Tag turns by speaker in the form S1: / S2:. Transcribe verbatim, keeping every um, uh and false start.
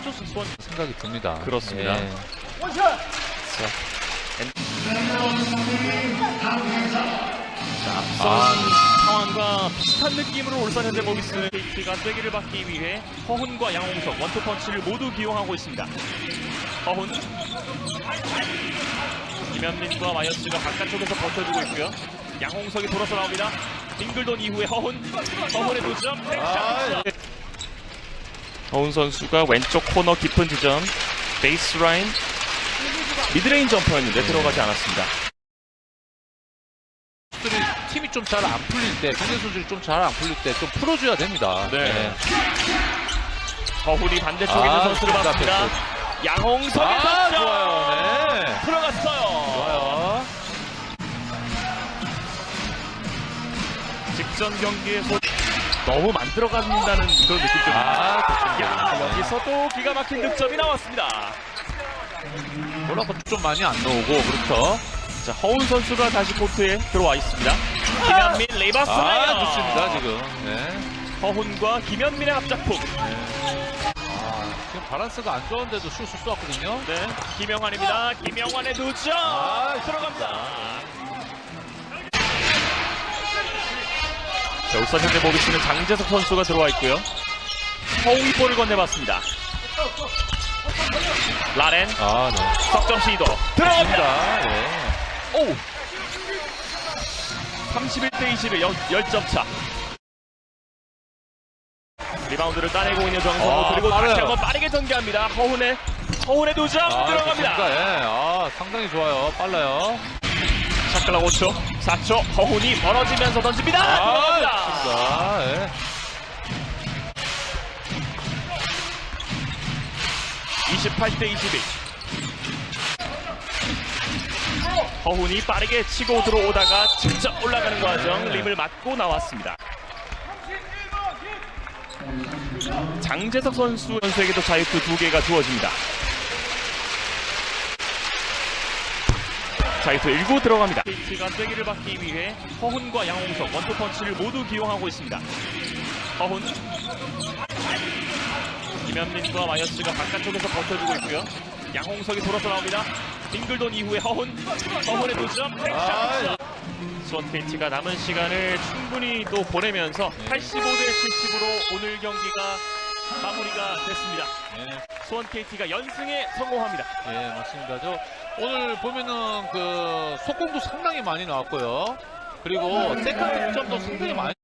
S1: 해줬을 수원 생각이 듭니다.
S2: 그렇습니다.
S1: 예.
S2: 자, 앞선 상황과 비슷한 느낌으로 울산 현대모비스 케이티가 쐐기를 받기 위해 허훈과 양홍석 원투펀치를 모두 기용하고 있습니다. 허훈, 김현민과 마이어스가 바깥쪽에서 버텨주고 있고요. 양홍석이 돌아서 나옵니다. 빙글돈 이후에 허훈, 허훈의 두 점, 아, 네. 허훈 선수가 왼쪽 코너 깊은 지점, 베이스라인, 미드레인 점퍼였는데 들어가지 않았습니다.
S1: 팀이 좀 잘 안 풀릴 때, 상대 선수들이 좀 잘 안 풀릴 때 좀 풀어줘야 됩니다.
S2: 네.
S1: 네.
S2: 허훈이 반대쪽에 있는
S1: 아,
S2: 선수를
S1: 좋다,
S2: 봤습니다. 양홍석의
S1: 아,
S2: 득점!
S1: 좋아요. 네.
S2: 들어갔어요.
S1: 좋아요.
S2: 직전 경기에서 너무 만들어간다는 그런 느낌도
S1: 아, 좋습니다.
S2: 야, 여기서도 기가 막힌 득점이 나왔습니다.
S1: 뭐라고 좀 많이 안 나오고, 그렇죠.
S2: 자, 허훈 선수가 다시 코트에 들어와 있습니다. 김현민 레이바스
S1: 아,
S2: 라이너.
S1: 좋습니다, 지금. 네.
S2: 허훈과 김현민의 합작품.
S1: 아, 지금 바란스가 안 좋은데도 슛을 쏘았거든요.
S2: 네, 김영환입니다. 김영환의 두 점.
S1: 아,
S2: 들어갑니다. 자, 울산 현대모비스는 장재석 선수가 들어와 있고요. 허웅이 볼을 건네봤습니다. 라렌
S1: 아, 네.
S2: 석점 시도 들어갑니다.
S1: 네.
S2: 오! 삼십일 대 이십일 십 점 차. 리바운드를 따내고 있는 정성호.
S1: 아,
S2: 그리고
S1: 빠르요.
S2: 다시 한번 빠르게 전개합니다. 허훈의 허훈의 두 점
S1: 아,
S2: 들어갑니다.
S1: 좋습니다. 예. 아, 상당히 좋아요. 빨라요.
S2: 샷클락 오 초, 사 초. 허훈이 멀어지면서 던집니다.
S1: 아,
S2: 들어갑니다.
S1: 좋습니다. 예.
S2: 이십팔 대 이십일. 허훈이 빠르게 치고 들어오다가 직접 올라가는 과정 림을 맞고 나왔습니다. 장재석 선수 선수에게도 자유투 두 개가 주어집니다. 자유투 일구 들어갑니다. 케이티가 쐐기를 받기 위해 허훈과 양홍석 원투펀치를 모두 기용하고 있습니다. 허훈, 김현민과 마이어스가 바깥쪽에서 버텨주고 있고요. 양홍석이 돌아서 나옵니다. 빙글돈 이후에 허훈, 허훈의 두 점, 팩샷. 수원 케이티가 남은 시간을 충분히 또 보내면서 팔십오 대 칠십으로 오늘 경기가 마무리가 됐습니다.
S1: 예.
S2: 수원 케이티가 연승에 성공합니다.
S1: 예, 맞습니다. 저 오늘 보면은 그 속공도 상당히 많이 나왔고요. 그리고 세컨드 득점도 상당히 많이